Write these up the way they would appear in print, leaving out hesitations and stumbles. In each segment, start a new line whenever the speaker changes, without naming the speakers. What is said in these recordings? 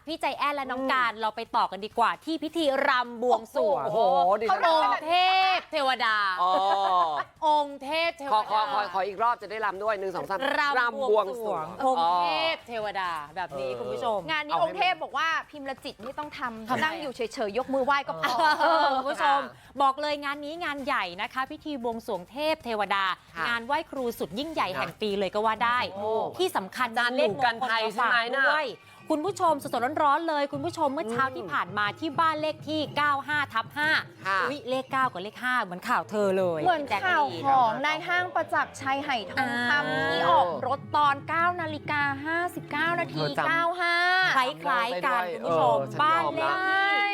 พี่ใจแอนและน้องการเราไปต่อกันดีกว่าที่พิธีรำบวงสรวง
โอ้โหดิฉัน
องค์เทพเทวดา
อ๋อ
องค์เทพเทว
ขอ
ดา
อีกรอบจะได้รำด้วย1 2 3
รำบวงสรวงองค์เทพ
อ๋อ
เทวดาแบบนี้คุณผู้ชม
งานนี้องค์เทพบอกว่าพิมพ์ละจิตไม่ต้องทำ
ทำไม
นั่งอยู่เฉยๆ ยกมือไหว้ก็พอ
คุณผู้ชมบอกเลยงานนี้งานใหญ่นะคะ พิธีบวงสรวงเทพเทวดา
ค่ะ
งานไหว้ครูสุดยิ่งใหญ่แห่งปีเลยก็ว่าได้
โอ้
ที่สำคัญ
อาจารย์หนูกันภัยใช่ไหมน่ะ
ด้วยคุณผู้ชมสดๆร้อนๆเลยคุณผู้ชมเมื่อเช้าที่ผ่านมาที่บ้านเลขที่ 95/5
ค่ะ
อุ๊ยเลข 9 กับเลข 5 เหมือนข่าวเธอเลย
เหมือน
แจ๊กกะ
ข่าว
ลีน
ของนายห้างประจักษ์ชัยไหทองคำที่ออกรถตอน 9 นาฬิกา 59 นาที
เธอจำ
95
คล้ายๆกันคุณผู้ชม
ฉัน
บ้าน
ยอม
เล
ละ
ขที่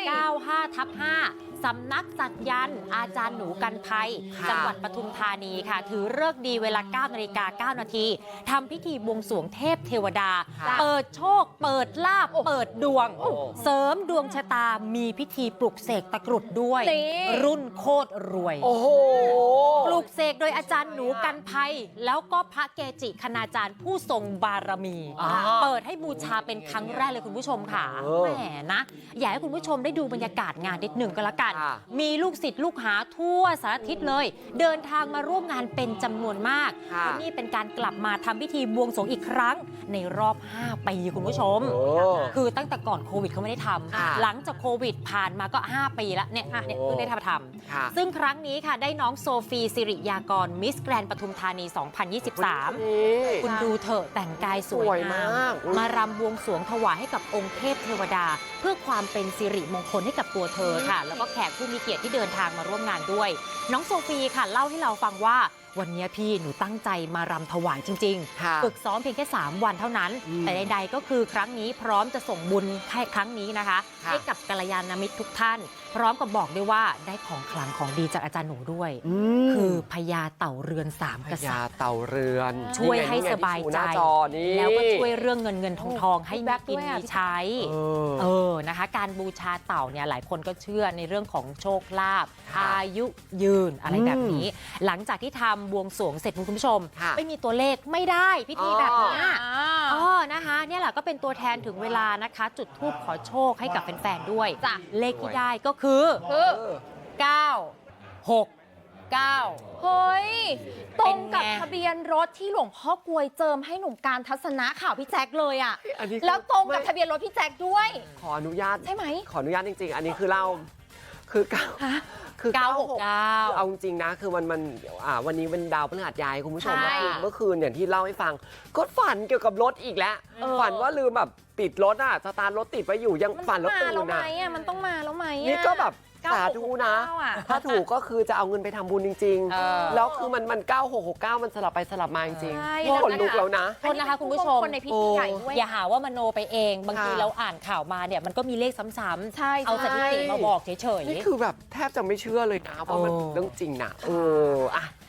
95/5 สำนักสักยันต์อาจารย์หนูกันภัย
ค่ะ
จังหวัดปทุมธานีค่ะ ถือเลิกษ์ดีเวลา 9 นาฬิกา 9 นาทีทำพิธีบวงสรวงเทพเทวดา
ค่ะ
เปิดโชค เปิดลาภเปิดดวง
โอ้
เสริมดวงชะตามีพิธีปลุกเสกตะกรุดด้วย
นี่
รุ่นโคตรรวย
โอ้โห
ปลูกเสกโดยอาจารย์หนูกันภัย แล้วก็พระเกจิคณาจารย์ผู้ทรงบารมี
อ่า
เปิดให้บูชาเป็นครั้งแรกเลยคุณผู้ชมค่ะ
เออ
แหมนะ อยากให้คุณผู้ชมได้ดูบรรยากาศงานนิดหนึ่งก็แล้วกัน
ค่ะ
มีลูกศิษย์ลูกหาทั่วสารทิศเลย เดินทางมาร่วมงานเป็นจำนวนมาก
ค่ะ
และนี่เป็นการกลับมาทำพิธีบวงสรวงอีกครั้งในรอบ 5 ปีคุณผู้ชม
โอ้
คือตั้งแต่ก่อนโควิดเขาไม่ได้ท
ค่ะ
ำหลังจากโควิดผ่านมาก็ 5 ปีแล้วเนี่ยเพิ่งได้ทำ
ค่ะ
ซึ่งครั้งนี้ค่ะได้น้องโซฟีสิริยากรมิสแกรนปทุมธานี 2023
นี่
คุณดูเถอะแต่งกายสว
สวย
ยงาม
าก
มารำบวงสรวงถวายให้กับองค์เทพเทวดา เพื่อความเป็นสิริมงคลให้กับตัวเธอค่ะ แล้วก็แขกผู้มีเกียรติที่เดินทางมาร่วมงานด้วย น้องโซฟีค่ะเล่าให้เราฟังว่าวันนี้พี่หนูตั้งใจมารำถวายจริง
ค่ะ
ๆ ฝึกซ้อมเพียงแค่ 3 วันเท่านั้น
อืม
แต่ใดๆก็คือครั้งนี้พร้อมจะส่งบุญให้ครั้งนี้นะคะ
ค่ะ
ให้กับกัลยาณมิตรทุกท่าน พร้อมกับบอกด้วยว่าได้ของขลังของดีจากอาจารย์หนูด้วย คือพญาเต่าเรือนสาม
พ
กษั
ญา
ตริย์
เต่าเรือน
ช่วยให้
นี่ไง
สบายใจ
ที่ชูหน้จอนี่
แล้วก็ช่วยเรื่องเงินทองให้มีกินมีใช้
เออ
นะคะ การบูชาเต่าเนี่ยหลายคนก็เชื่อในเรื่องของโชคลาภ
ค่ะ
อายุยืนอะไรแบบนี้ หลังจากที่ทำบวงสรวงเสร็จคุณผู้ชม
ค่ะ
ไม่มีตัวเลขไม่ได้พิธีแบบเนี้ย
อ๋อ
นะคะเนี่ยแหละก็เป็นตัวแทนถึงเวลานะคะ จุดธูปขอโชคให้กับแฟนๆด้วย
จ้ะ
เลขที่ได้ก็คือ
คือ
9 6 9
เฮ้ย ตรงกับ
เป็นไง
ทะเบียนรถที่หลวงพ่อกลวยเจิมให้หนุ่มการทัศนะข่าวพี่แจ็คเลยอ่ะ
อันนี้
แล้วตรงกับ
ไม่
ทะเบียนรถพี่แจ็คด้วย
ขออนุญาต
ใช่ไหม
ขออนุญาตจริง ๆ อันนี้คือเราคือเก้า
ฮะ
คือ
969
เอาจริงๆนะคือมันวันนี้เป็นดาวพฤหัสย้ายคุณผู้ชม
ใช่
เมื่อคืนอย่างที่เล่าให้ฟัง ก็ฝันเกี่ยวกับรถอีกแล้ว ฝันว่าลืมแบบปิดรถสตาร์ทรถติดไว้อยู่ยัง
มัน
ฝัน
ต้
แล้
อ
ว
งมา
ตื่
แล้ว
น
ไหม
อ่ะ
อ่ะมันต้องมาแล้วไหมอ่ะ
นี่ก็แบบ
9669
สาธุนะ
อ่ะ
ถ้าถูกก็คือจะเอาเงินไปทำบุญจริง
เออ
ๆ แล้วคือมัน9669 มันสลับไปสลับมาจริง
ใช่
ๆขนลุกแล้วนะ
โทษนะคะคุณผู้ชม
คนในพิธีใหญ่ด้วย
อย่าหาว่ามโนไปเอง บางที
ค่ะ
เราอ่านข่าวมาเนี่ยมันก็มีเลขซ้ำ
ใช่
ๆเอาสถิติมาบอกเฉย
นี่คือแบบแทบจะไม่เชื่อเลยนะเพราะมัน
โอ้
เรื่องจริงนะอ่ะ